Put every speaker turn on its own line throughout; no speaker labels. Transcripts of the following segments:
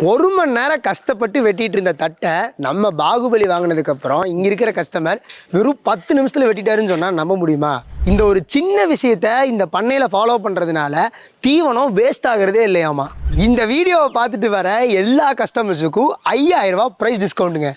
1 மணி நேரம் கஷ்டப்பட்டு வெட்டிட்டு இருந்த தட்டை நம்ம பாகுபலி வாங்கினதுக்கப்புறம் இங்கே இருக்கிற கஸ்டமர் வெறும் 10 நிமிஷத்தில் வெட்டிட்டாருன்னு சொன்னால் நம்ப முடியுமா? இந்த ஒரு சின்ன விஷயத்த இந்த பண்ணையில் ஃபாலோ பண்ணுறதுனால தீவனம் வேஸ்ட் ஆகிறதே இல்லையாமா. இந்த வீடியோவை பார்த்துட்டு வர எல்லா கஸ்டமர்ஸுக்கும் 5000 ரூபா ப்ரைஸ் டிஸ்கவுண்ட்டுங்க.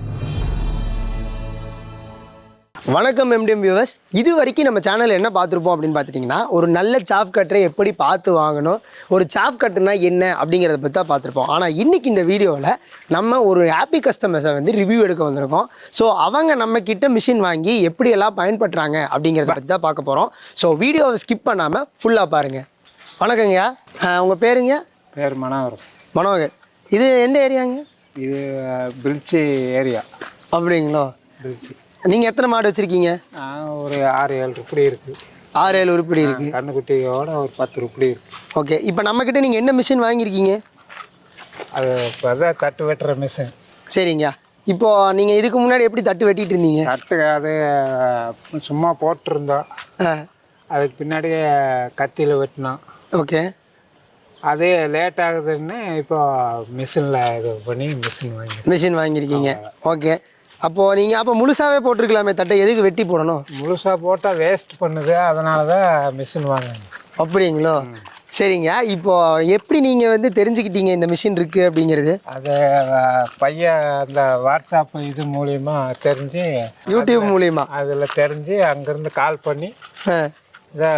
வணக்கம் எம்டிஎம் வியூவர்ஸ். இது வரைக்கும் நம்ம சேனலில் என்ன பார்த்துருப்போம் அப்படின்னு பார்த்துட்டிங்கன்னா, ஒரு நல்ல சாப் கட்டரை எப்படி பார்த்து வாங்கணும், ஒரு சாப் கட்டுனா என்ன அப்படிங்கிறத பற்றி தான் பார்த்துருப்போம். ஆனால் இன்றைக்கி இந்த வீடியோவில் நம்ம ஒரு ஹாப்பி கஸ்டமர்ஸை ரிவ்யூ எடுக்க வந்திருக்கோம். ஸோ அவங்க நம்மக்கிட்ட மிஷின் வாங்கி எப்படியெல்லாம் பயன்படுறாங்க அப்படிங்கிறத பற்றி தான் பார்க்க போகிறோம். ஸோ வீடியோவை ஸ்கிப் பண்ணாமல் ஃபுல்லாக பாருங்கள். வணக்கங்கய்யா, உங்கள் பேருங்க?
பேர் மனோகர்.
மனோகர். இது எந்த ஏரியாங்க?
இது பிரிட்ஜி ஏரியா.
அப்படிங்களா?
பிரிட்ஜி.
நீங்கள் எத்தனை மாடு வச்சுருக்கீங்க?
ஒரு 6-7 உருப்படி இருக்குது.
6-7 உருப்படி இருக்குது.
கண்ணுக்குட்டியோட ஒரு 10 உருப்படி இருக்குது.
ஓகே, இப்போ நம்மக்கிட்ட நீங்கள் என்ன மிஷின் வாங்கியிருக்கீங்க?
அது இப்போ தான் தட்டு வெட்டுற மிஷின்.
சரிங்க. இப்போது நீங்கள் இதுக்கு முன்னாடி எப்படி தட்டு வெட்டிகிட்டு இருந்தீங்க?
தட்டு அது சும்மா போட்டிருந்தோம். அதுக்கு பின்னாடி கத்தியில் வெட்டினோம்.
ஓகே.
அது லேட் ஆகுதுன்னு இப்போ மிஷினில் இது பண்ணி மிஷின்
வாங்கியிருக்கீங்க. ஓகே. அப்போது நீங்கள் அப்போ முழுசாகவே போட்டிருக்கலாமே தட்டை, எதுக்கு வெட்டி போடணும்?
முழுசாக போட்டால் வேஸ்ட் பண்ணுது, அதனால தான் மிஷின் வாங்கணும்.
அப்படிங்களோ? சரிங்க. இப்போது எப்படி நீங்கள் தெரிஞ்சுக்கிட்டீங்க இந்த மிஷின் இருக்குது அப்படிங்கிறது?
அது பையன் அந்த வாட்ஸ்அப் இது மூலிமா தெரிஞ்சு,
யூடியூப் மூலிமா
அதில் தெரிஞ்சு அங்கேருந்து கால் பண்ணி இதை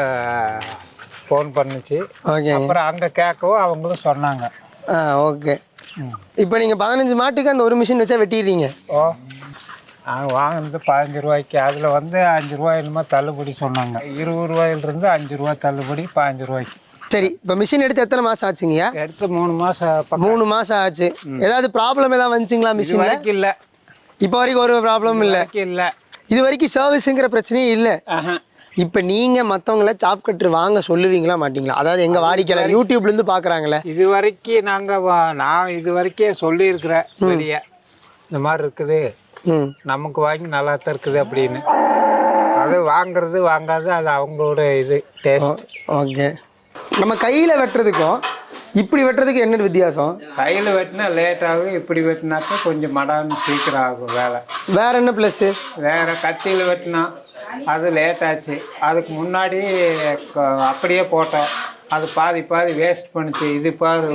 ஃபோன் பண்ணிச்சு.
ஓகே.
அப்புறம் அங்கே கேட்கவும் அவங்களும் சொன்னாங்க.
ஓகே. இப்போ நீங்கள் 15 மாட்டுக்கு அந்த ஒரு மிஷின் வச்சா வெட்டிடுறீங்க?
ஓ, நாங்கள் வாங்கினது 15 ரூபாய்க்கு. அதில் 5 ரூபாய் என்னமோ தள்ளுபடி சொன்னாங்க. 20 ரூபாயிலிருந்து 5 ரூபா தள்ளுபடி 15 ரூபாய்க்கு.
சரி, இப்போ மிஷின் எடுத்து எத்தனை மாதம் ஆச்சுங்கய்யா?
எடுத்து 3 மாதம்.
3 மாதம் ஆச்சு. ஏதாவது ப்ராப்ளம் ஏதாவது வந்துச்சுங்களா மிஷின்?
வரைக்கும் இல்லை.
இப்போ வரைக்கும் ஒரு ப்ராப்ளம் இல்லை?
இல்லை.
இது வரைக்கும் சர்வீஸுங்கிற பிரச்சனையே இல்லை. இப்போ நீங்கள் மற்றவங்கள சாப் கட்ரு வாங்க சொல்லுவீங்களா மாட்டிங்களா? அதாவது எங்கள் வாடிக்கையாளர் யூடியூப்லேருந்து பார்க்குறாங்களே,
இது வரைக்கும் நான் இது வரைக்கும் சொல்லியிருக்கிறேன் வெளியே, இந்த மாதிரி இருக்குது, நமக்கு வாங்கி நல்லா தான் இருக்குது அப்படின்னு. அது வாங்குறது வாங்காது அது அவங்களோட இது டேஸ்ட்.
ஓகே. நம்ம கையில் வெட்டுறதுக்கும் இப்படி வெட்டுறதுக்கு என்ன வித்தியாசம்?
கையில் வெட்டினா லேட் ஆகும், இப்படி வெட்டினாக்கா கொஞ்சம் மடான்னு சீக்கிரம் ஆகும் வேலை.
வேற என்ன ப்ளஸ்ஸு? வேற
கத்தியில் வெட்டினா அது லேட் ஆச்சு. அதுக்கு முன்னாடி அப்படியே போட்டோம், அது பாதி வேஸ்ட் பண்ணிச்சு. இது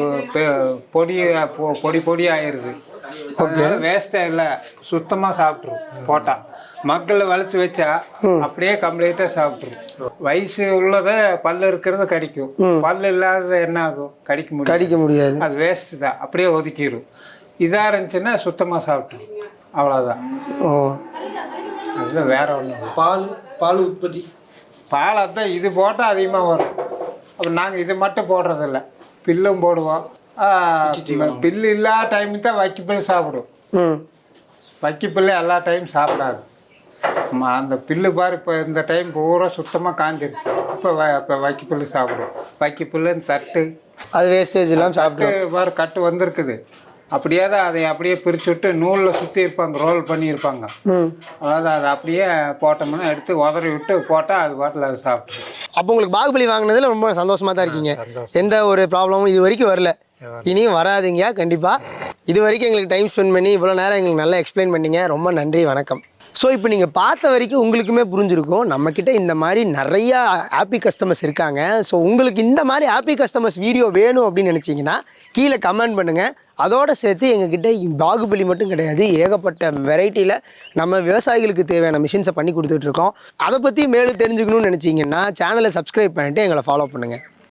பொடி ஆயிடுது. வேஸ்டே இல்லை, சுத்தமாக சாப்பிட்ரும். போட்டால் மக்களை வளைச்சி வச்சா அப்படியே கம்ப்ளீட்டாக சாப்பிட்ரும். வயசு உள்ளதை பல்லு இருக்கிறத கடிக்கும், பல்லு இல்லாதது என்ன ஆகும்? கடிக்க முடியாது. அது வேஸ்ட்டு தான், அப்படியே ஒதுக்கிடும். இதாக இருந்துச்சுன்னா சுத்தமாக சாப்பிட்ரும், அவ்வளோதான். அதுதான், வேற ஒன்றும்.
பால் உற்பத்தி
தான் இது போட்டால் அதிகமாக வரும். அப்போ நாங்கள் இது மட்டும் போடுறதில்ல, பில்லும் போடுவோம். பில்லு இல்லாத டைமு தான் வைக்கப்பில் சாப்பிடும். வைக்கப்பில் எல்லா டைம் சாப்பிடாது. அந்த பில்லு பாரு, இப்போ இந்த டைம் பூரா சுத்தமாக காஞ்சிருச்சு. இப்போ வைக்கப்பில் சாப்பிடும். வைக்கப்பில் தட்டு
அது வேஸ்டேஜ் எல்லாம் சாப்பிட்டு
பாரு கட்டு வந்திருக்குது. அப்படியே தான் அதை அப்படியே பிரித்து விட்டு நூலில் சுற்றி இருப்பாங்க, ரோல் பண்ணியிருப்பாங்க. அதாவது அதை அப்படியே போட்டோம்னா எடுத்து உதறி விட்டு போட்டால் அது பாட்டில் அதை சாப்பிட்டு.
அப்போ உங்களுக்கு பாகுபலி வாங்கினதில் ரொம்ப சந்தோஷமாக தான் இருக்கீங்க? எந்த ஒரு ப்ராப்ளமும் இது வரைக்கும் வரல, இனியும் வராதுங்க கண்டிப்பாக. இது வரைக்கும் எங்களுக்கு டைம் ஸ்பெண்ட் பண்ணி இவ்வளோ நேரம் எங்களுக்கு நல்லா எக்ஸ்பிளைன் பண்ணிங்க, ரொம்ப நன்றி, வணக்கம். ஸோ இப்போ நீங்கள் பார்த்த வரைக்கும் உங்களுக்குமே புரிஞ்சிருக்கும், நம்மக்கிட்ட இந்த மாதிரி நிறையா ஹாப்பி கஸ்டமர்ஸ் இருக்காங்க. ஸோ உங்களுக்கு இந்த மாதிரி ஹாப்பி கஸ்டமர்ஸ் வீடியோ வேணும் அப்படின்னு நினச்சிங்கன்னா கீழே கமெண்ட் பண்ணுங்கள். அதோடு சேர்த்து எங்ககிட்ட பாகுபலி மட்டும் கிடையாது, ஏகப்பட்ட வெரைட்டியில் நம்ம விவசாயிகளுக்கு தேவையான மிஷின்ஸை பண்ணி கொடுத்துட்ருக்கோம். அதை பற்றி மேலும் தெரிஞ்சுக்கணும்னு நினச்சிங்கன்னா சேனலை சப்ஸ்கிரைப் பண்ணிவிட்டு எங்களை ஃபாலோ பண்ணுங்கள்.